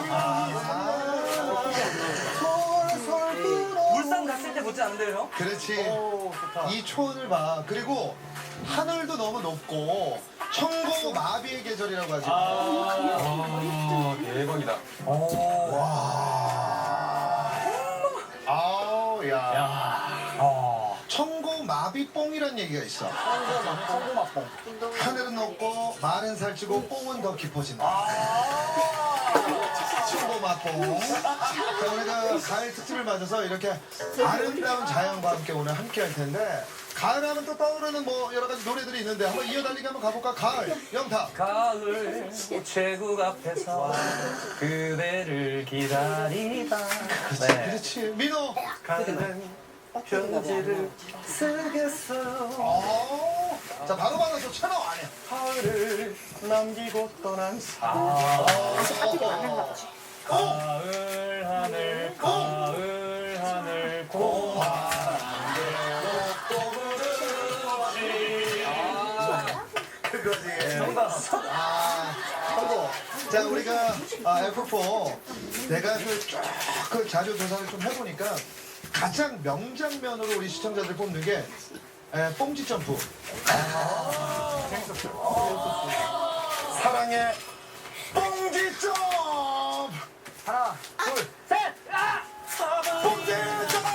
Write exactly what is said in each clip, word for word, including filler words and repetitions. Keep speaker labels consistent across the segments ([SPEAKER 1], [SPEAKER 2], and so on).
[SPEAKER 1] 울산 갔을 때 못지 않은데요?
[SPEAKER 2] 그렇지.
[SPEAKER 1] 오, 좋다.
[SPEAKER 2] 이 초원을 봐. 그리고 하늘도 너무 높고 청고 마비의 계절이라고 하지.
[SPEAKER 3] 아, 대박이다.
[SPEAKER 1] 오.
[SPEAKER 2] 와. 아우 야.
[SPEAKER 1] 야. 어.
[SPEAKER 2] 청고 마비뽕이란 얘기가 있어.
[SPEAKER 1] 청고맛, 청고맛뽕.
[SPEAKER 2] 하늘은 높고 말은 살찌고 뽕은 더 깊어진다.
[SPEAKER 1] 아.
[SPEAKER 2] 청고 맛뽕. 자, 우리가 가을 특집을 맞아서 이렇게 아름다운 자연과 함께 오늘 함께 할 텐데 가을 하면 또 떠오르는 뭐 여러 가지 노래들이 있는데 한번 이어달리기 한번 가볼까? 가을, 영탁.
[SPEAKER 1] 가을 우체국 앞에서 그대를 기다리다. 네.
[SPEAKER 2] 그렇지. 민호.
[SPEAKER 1] 가을은 편지를 쓰겠어요.
[SPEAKER 2] 어. 자, 바로 받아서 채널 안에.
[SPEAKER 1] 가을을 남기고 떠난 사람.
[SPEAKER 2] 어.
[SPEAKER 1] 가을 하늘, 가을 하늘 고마운데
[SPEAKER 2] 그거지.
[SPEAKER 1] 정답.
[SPEAKER 2] 아, 하고. 자, 우리가 아, 에프 사 내가 그쫙그 자료 조사를 좀 해보니까 가장 명장면으로 우리 시청자들 뽑는 게 에, 뽕지 점프. 아, 재밌었어요. 사랑의 뽕지 점프.
[SPEAKER 1] 하나, 둘, 셋! 아!
[SPEAKER 2] 뽕지 점프.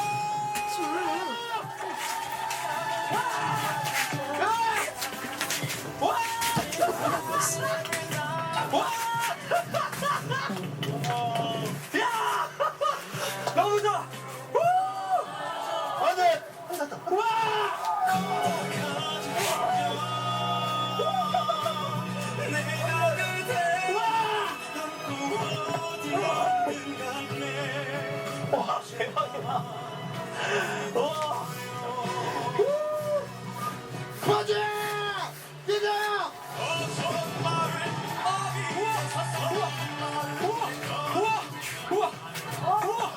[SPEAKER 1] 너무 좋아!
[SPEAKER 2] 안 돼.
[SPEAKER 1] 와, 대박이다. 와.
[SPEAKER 2] 맞아. 뛰자.
[SPEAKER 1] 우와! 우와! 우와!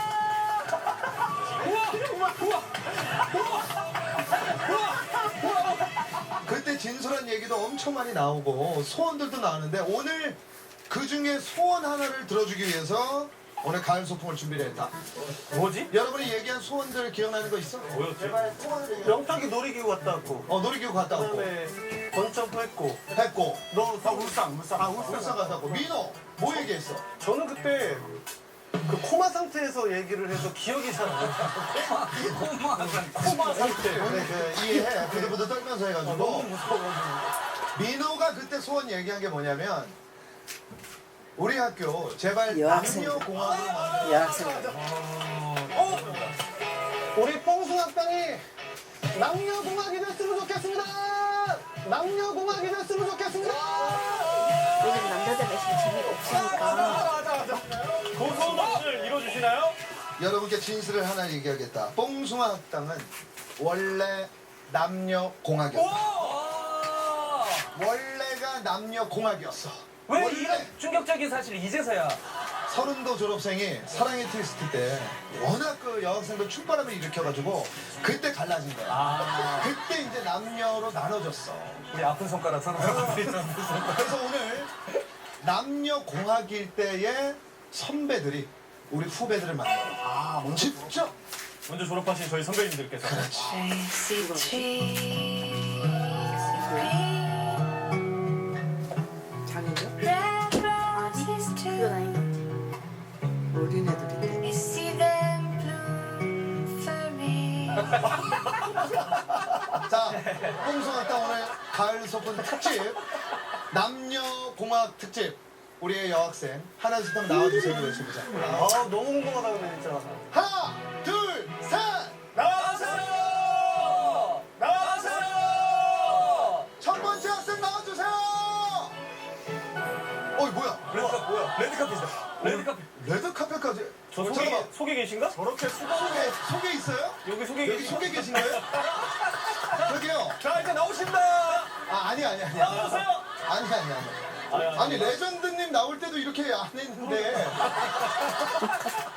[SPEAKER 2] 그때 진솔한 얘기도 엄청 많이 나오고 소원들도 나오는데 오늘 그 중에 소원 하나를 들어주기 위해서 오늘 가을 소풍을 준비를 했다.
[SPEAKER 1] 뭐지?
[SPEAKER 2] 여러분이 얘기한 소원들 기억나는 거 있어?
[SPEAKER 1] 뭐였지?
[SPEAKER 2] 제발 소원을 얘기해.
[SPEAKER 4] 영탁이 놀이기구 갔다 왔고
[SPEAKER 2] 어 놀이기구 갔다 왔고
[SPEAKER 4] 그다음에 번점프 했고
[SPEAKER 2] 했고
[SPEAKER 4] 너 다 울산 울산
[SPEAKER 2] 아 울산 갔다 왔고 민호 뭐 얘기했어?
[SPEAKER 4] 저는 그때 그 코마 상태에서 얘기를 해서 기억이 잘 안 나요.
[SPEAKER 1] 고마.
[SPEAKER 4] 코마 상태.
[SPEAKER 2] 그래 그 이해해 부들부들 떨면서
[SPEAKER 4] 아,
[SPEAKER 2] 해가지고
[SPEAKER 4] 너무 무서워가지고.
[SPEAKER 2] 민호가 그때 소원 얘기한 게 뭐냐면 우리 학교 제발
[SPEAKER 5] 여학생들.
[SPEAKER 2] 남녀 공학으로 만들어.
[SPEAKER 5] 여학생들.
[SPEAKER 4] 어? 우리 뽕숭아땅이 남녀공학이 됐으면 좋겠습니다. 남녀공학이 됐으면 좋겠습니다.
[SPEAKER 5] 왜냐면 남자들 내시면 재미가 없으니까.
[SPEAKER 4] 맞아 맞아. 그 소원을 이뤄주시나요?
[SPEAKER 2] 여러분께 진실을 하나 얘기하겠다. 뽕숭아 학당은 원래 남녀 공학이었다.
[SPEAKER 1] 와!
[SPEAKER 2] 원래가 남녀 공학이었어.
[SPEAKER 1] 왜
[SPEAKER 2] 원래
[SPEAKER 1] 이런 충격적인 사실을 이제서야?
[SPEAKER 2] 서른도 졸업생이 사랑의 트위스트 때 워낙 그 여학생들 춤바람을 일으켜가지고 그때 갈라진 거야.
[SPEAKER 1] 아,
[SPEAKER 2] 그때 이제 남녀로 나눠졌어.
[SPEAKER 1] 우리 아픈 손가락 서로 잡고 있던 아픈 손가락.
[SPEAKER 2] 그래서 오늘 남녀 공학일 때의 선배들이 우리 후배들을 만나러 아, 직접
[SPEAKER 4] 먼저 졸업하신 저희 선배님들께서
[SPEAKER 5] 장인요? 아니, 그건 아닌 것 같아. 어린애들인데.
[SPEAKER 2] 자, 뽕숭아땅 오늘 가을 소풍 특집 남녀 공학 특집 우리의 여학생 하나 둘 셋 한번 나와주세요. 외쳐보자.
[SPEAKER 4] 아 너무 궁금하다 근데 진짜.
[SPEAKER 2] 하나 둘 셋.
[SPEAKER 4] 나와주세요. 나와주세요.
[SPEAKER 2] 첫 번째 학생 나와주세요. 어이 뭐야?
[SPEAKER 1] 레드카펫 뭐야? 레드카펫이다. 레드카펫.
[SPEAKER 2] 레드카펫까지.
[SPEAKER 4] 저 속에
[SPEAKER 2] 잠깐만.
[SPEAKER 4] 속에 계신가? 저렇게 수고.
[SPEAKER 2] 속에 속에 있어요?
[SPEAKER 4] 여기 속에
[SPEAKER 2] 여기
[SPEAKER 4] 계신.
[SPEAKER 2] 속에 계신 거예요? 저기요.
[SPEAKER 4] 자 이제 나오신다.
[SPEAKER 2] 아 아니 아니 아니.
[SPEAKER 4] 나와주세요.
[SPEAKER 2] 아니 아니 아니.
[SPEAKER 4] 아니, 아니.
[SPEAKER 2] 아니 레전드님 나올 때도 이렇게 안 했는데